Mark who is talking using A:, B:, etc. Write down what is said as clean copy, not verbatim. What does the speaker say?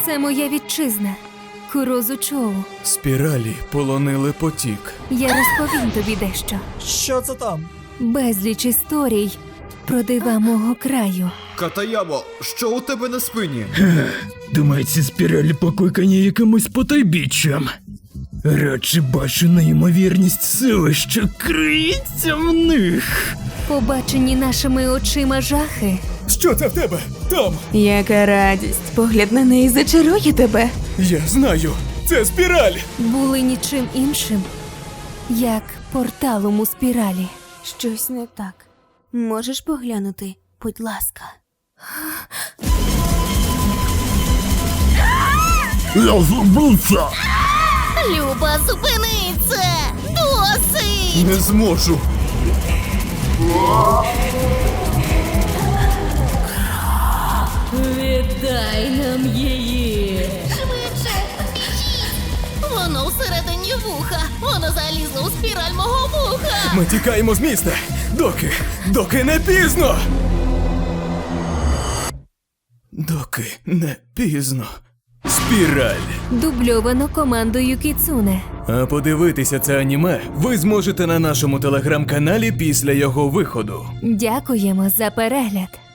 A: Це моя вітчизна. Курозу-Чоу.
B: Спіралі полонили потік.
A: Я розповім тобі дещо.
C: Що це там?
A: Безліч історій про дива мого краю.
D: Катаямо, що у тебе на спині?
E: Думаю, ці спіралі покликані якимось потайбіччям. Радше бачу неймовірність сили, що криється в них.
A: Побачені нашими очима жахи.
B: Що це в тебе? Там!
F: Яка радість. Погляд на неї зачарує тебе.
B: Я знаю! Це спіраль!
A: Були нічим іншим, як порталом у спіралі.
F: Щось не так. Можеш поглянути, будь ласка.
E: Я забувся!
G: Люба, зупини це! Досить!
D: Не зможу.
G: Віддай нам її! Швидше! Біжіть! Воно всередині вуха! Воно залізло у спіраль мого вуха!
B: Ми тікаємо з міста! Доки не пізно! Доки не пізно. Спіраль.
A: Дубльовано командою Кіцуне.
B: А подивитися це аніме ви зможете на нашому телеграм-каналі після його виходу.
A: Дякуємо за перегляд.